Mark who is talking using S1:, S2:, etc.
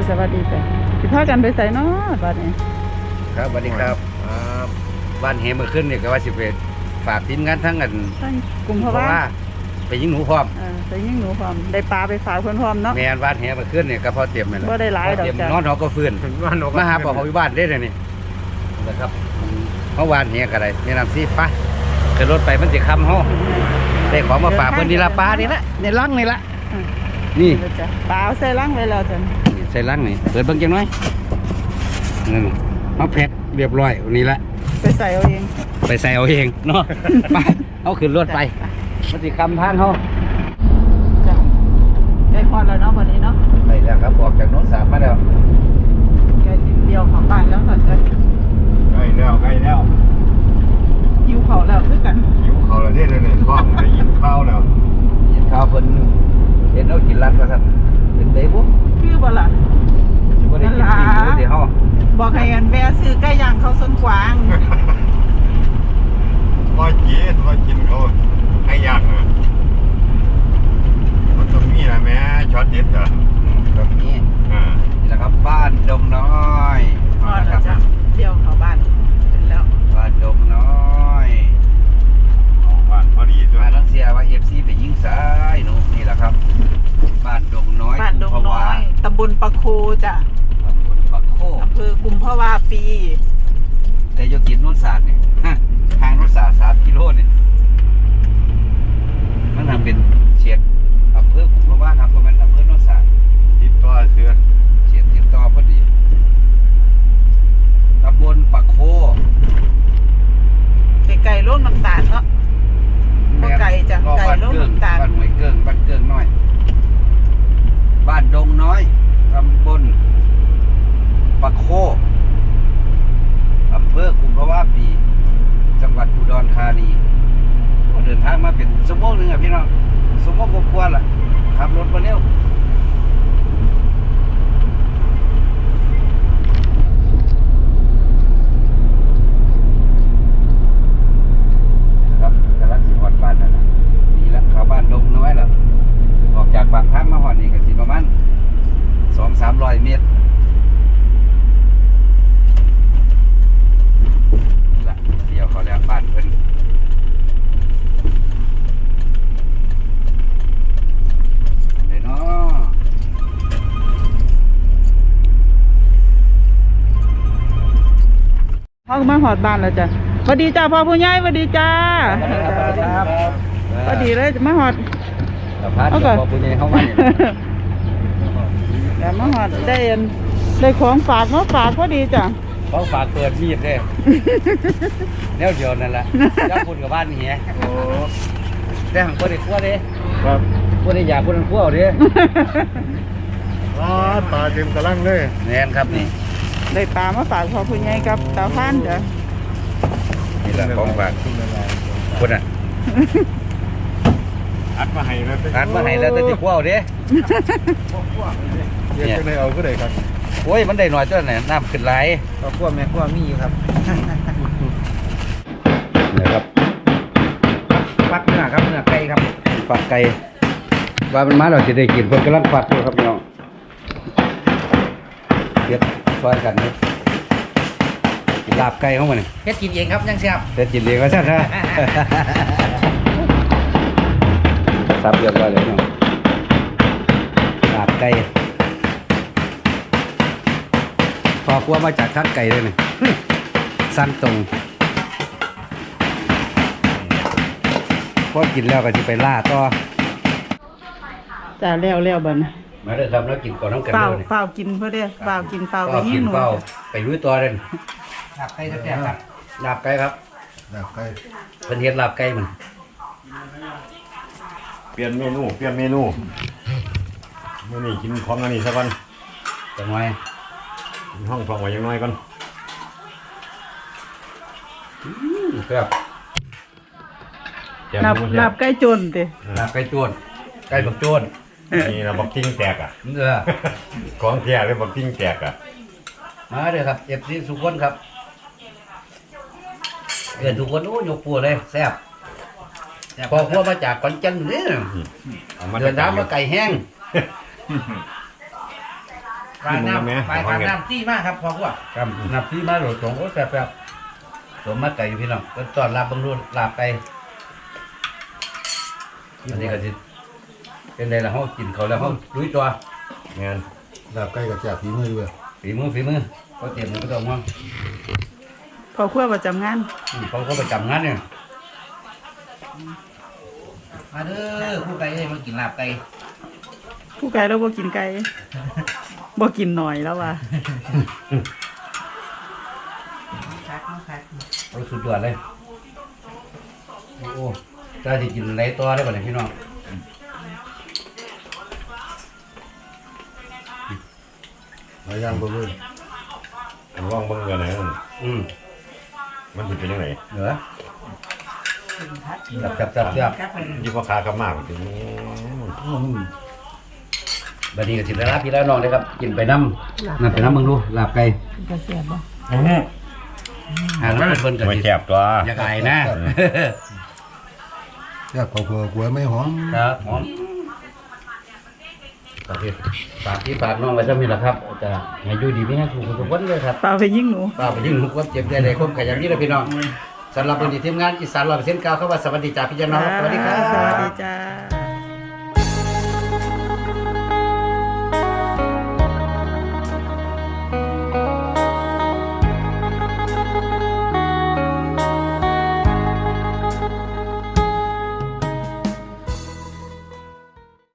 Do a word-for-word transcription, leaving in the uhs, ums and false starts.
S1: สวัสดีจ้ะสิพากันไปใส่เนาะบัดนี้
S2: ครับสวัสดีครับบ้านเฮมาขึ้นเนี่ยก็ว่าสิเวฝากทีมงานทั้งกัน
S1: ทั้งกลุ่มเพราะว่า
S2: ไปยิงหนูพร้อม
S1: เออไปยิงหนูพร้อมได้ปลาไปฝากเพิ่นพร้อมเนาะ
S2: แม่นบ้านเฮมาขึ้นเนี่ยก็พอเตรียมแม่น
S1: บ่ได้หลายดอกจ้ะ
S2: นอนเขาก็ฟื้นมาหาปอเขาอยู่บ้านได้เลยนี่นะครับเมื่อวานเฮก็ได้แนะนำสิไปขึ้นรถไปมันสิค่ำเฮาได้ของมาฝากเพิ่นนี่ละปลานี่ละในลังนี่ละนี่
S1: ปลาใส่ลังไว้แล้วจ้ะ
S2: ใส่ลังนี่เปิดเบิ่งจังหน่อยนั่นมาแพ็คเรียบร้อยนี่ละ
S1: ไปใส่เอาเอง
S2: ไปใส่เอาเองเนาะไปเอาขึ้นรถไปมันสิคำทางเขา
S1: จ้ะใกล้พอดแล้วเนาะวันนี้เนาะ
S2: ไปแล้วครับออกจากโน้นสามมาแล้ว
S1: ใกล้สิบเดียวของบ้านแล้วค่ะจ้ะ
S3: ใกล้แล้วใกล้แล้ว
S1: หิวเขาแล้วคือกัน
S3: หิวเขาแล้วเนี่ยเนี่ยท้องได้ยินข้าวแล้ว
S2: ยินข้าวเพิ่นเห็นเอากินรัดก็สั่นเป็นเด้ปุ๊บ
S1: คือบ่ล่ะ
S2: นั่นล่ะเดี๋ยวเฮา
S1: บอกให้อันแม่ซื้อไก่ย่างเขาส้นกวาง
S3: ว่ากินว่ากินเขาให้ยากนะมันต้องมีนะแม่ช็อตเด็ดอ่ะ
S2: แบบนี้อ่านี่แหละครับบ้านดงน้อย
S1: มาแล้วจ้ะเที่ยวเข้าบ้านเป็นแล้ว
S2: บ้านดงน้อย
S3: บ้านพอดีด้วย
S2: มาลังเสียว่า เอฟ ซี ไปยิงสายหนูนี่แหละครับบ้านดงน้อย
S1: บ้านดงน้อยตำบลปะโคจ้ะ
S2: ตำบลปะโค
S1: อำเภอกุมภาวาปี
S2: แต่โยกินนุ่นศาสตร์เนี่ยทางนุ่นศาสตร์สามกิโลเนี่ยมันทำเป็นเฉียดอำเภอกุมภาวะครับเพราะมันอำเภอนุ่นศาสตร์
S3: ติดต่อเสือ
S2: เฉียดติดต่อพอดีตำบลปะโค
S1: ไก่ร่วงน้ำตาลเนาะไก่จ้ะไก่ร่วงน้ำตาล
S2: บ้านหวยเกิ้งบ้านเกิ้งน้อยบ้านดงน้อยตำบลปะโคอำเภอกุมภาวะปีจังหวัดอุดรธานีเดินทางมาเป็นชั่วโมงหนึ่งอ่ะพี่น้องชั่วโมงกว่าๆล่ะขับรถมาเร็วครับกำลังสิหอดบ้านนั่นแหละนี่ละเข้าบ้านดงน้อยแล้วออกจากปากทางมาหอดนี่ก็สิประมาณสองสามร้อยเมตรละเดี๋ยวเขาแล้วบ้านเพิ่นเลยเนาะ
S1: พ่อมาหอดบ้านแล้วจ้ะสวัสดีจ้าพ่อผู้ใหญ่สวัสดีจ้าสวัสดีเลยมาหอด
S2: เอาก่อนพ่อผู้ใหญ่เข้ามาเนี่ย
S1: เดี๋ยวมาหอดได้ได้ของฝากมาฝากพอดีจ้ะ
S2: ของฝากเปิดมีดเลยแนวเดียวนั่นแหละเจ้าคุณกับบ้านเฮียโอ้แต่หังคนได้ขั้วดิ
S3: ครับ
S2: คนได้อยากคนนั้นขั้วดิ
S3: อ๋อตาเต็มกระลังเลย
S2: แน่นครับนี่
S1: ได้ปลามาฝากพ่อผู้ใหญ่กับตาพันจ้ะ
S2: นี่แหละของฝากคนอ่ะ
S3: อัดมาให้แล้ว
S2: อัดมาให้แล้วแต่ที่ขั้วดิ
S3: เนี่ยจะได้เอาก็ได้ครับ
S2: โอ้ยมันได้หน่อยตัวไหนน้ำขึ้นไหล
S3: ก็ขั้วแม่ขั้วมีอยู่ครับ
S2: นี่ครับฟักเนื้อครับเนื้อไก่ครับฟักไก่ว่ามันมาเราจะได้กินเพิ่นกำลังฟักอยู่ครับน้องเก็บซอยกันนี่กินลาบไก่เข้ามาเนี่ย
S4: เฮ็ดกินเองครับยังแซ่บ
S2: เฮ็ดกินเองก็ใช่ไหมซับเรียบร้อยเลยน้องลาบไก่พอครัวมาจากชั้นไก่เลยนี่สั้นตรงพอกินแล้วก็จะไปล่าต่อ
S1: จ้าแล้วแล้วบัดนี้
S2: มาเลยครับแล้วกินก่อนน้ำกัน
S1: เลยเฝ้ากินเพื่อได้เฝ้ากินเฝ้าไปหิ้งหนู
S2: ไปลุยตัวเลย
S4: ลาบไก่แซ่บครับ
S2: ลาบไก่ครับ
S3: ลาบไก่
S2: เป็นเห็ดลาบไก่มัน
S3: เปลี่ยนเมนูเปลี่ยนเมนูเมื่อนี้กินของอันนี้สักวัน
S2: จังไง
S3: ห้องฟังไว้ยังน้อยก่อน
S2: ครับ
S1: ลาบลาบไก่โจนติ
S2: ลาบไก่โจนไก่บักโจน
S3: นี่เราบักกิ้งแตกอ่ะ
S2: เออ
S3: ของแก่เลยบักกิ้งแตกอ่ะ
S2: มาเด้อครับเอฟซีสุขคนครับเกิดทุกคนโอ้ยกปัวเลยแซ่บพอพวกมาจากขอนแก่นนี่เดินทางมาไก่แห้ง
S4: ปลาน้ำปลาปลาน้ำซี่มากครับพอพวก
S2: ครับนับที่มาโหลดสองโอ้แซ่บๆสมมาไก่อยู่พี่น้องก็ต้อนรับเบิ่งดูลาบไก่อันนี้ก็สิเป็นไดล่ะเฮากินเขาแล้วเฮาลุยตัว
S3: งาน
S5: ลาบไก่กับแจ่ฝีมือด้วย
S2: ฝีมือฝีมือเขาเตรียมมันก็ต้องว่า
S1: พอครัวประจำงาน
S2: อืมเขาก็ประจำงานเนี่ย
S4: มาเด้อผู้ไก่เลยมากินลาบไก่
S1: ผู้ไก่เราบ่กินไก่ บ่กินหน่อยแล้วว่ะ
S4: คักคัก
S2: เอาสุดยอดเลยโอ้โหถ้าจะกินอะไรต่อได้ป่ะเนี่ยพี่น้อง
S5: หลายอย่างบ่เลย
S3: ผมลองเบิ่งกันนะ
S2: อืม
S3: มันสิเป็นยังไง
S2: เหนือจับจับจับจับ
S3: ยี่พ่อค้ากลับมาถึง
S2: บัดนี้ก็สิได้รับพี่แล้วน้องเลยครับ กินไปน้ำนั่นไปน้ำมึงดูลาบไก่
S1: ก็เสียบบ่
S2: หาน้ำเพิ่นกัน
S3: ไม่
S2: สิ
S3: แคบตัว
S2: อย่าไก่นะ
S5: แซ่บเผื่อๆกลัวไม่หอม
S2: ครับหอมโอเคฝากพี่ฝากน้องไว้ซะมีแหละครับจะให้อยู่ดีไม่ให้ถูกทุกคนเลยครับ
S1: เปล่าไปยิงหนู
S2: ฝากไปยิ่งทุกคนเจ็บใจเลยคมขยันนี่เลยพี่น้องสำหรับวันนี้ทีมงานอีสานร้อยเปอร์เซ็นต์เก้าเข้าว่าสวัสดีจ้าพี่น้องสวัสดีครับ
S1: สวัสดีจ้า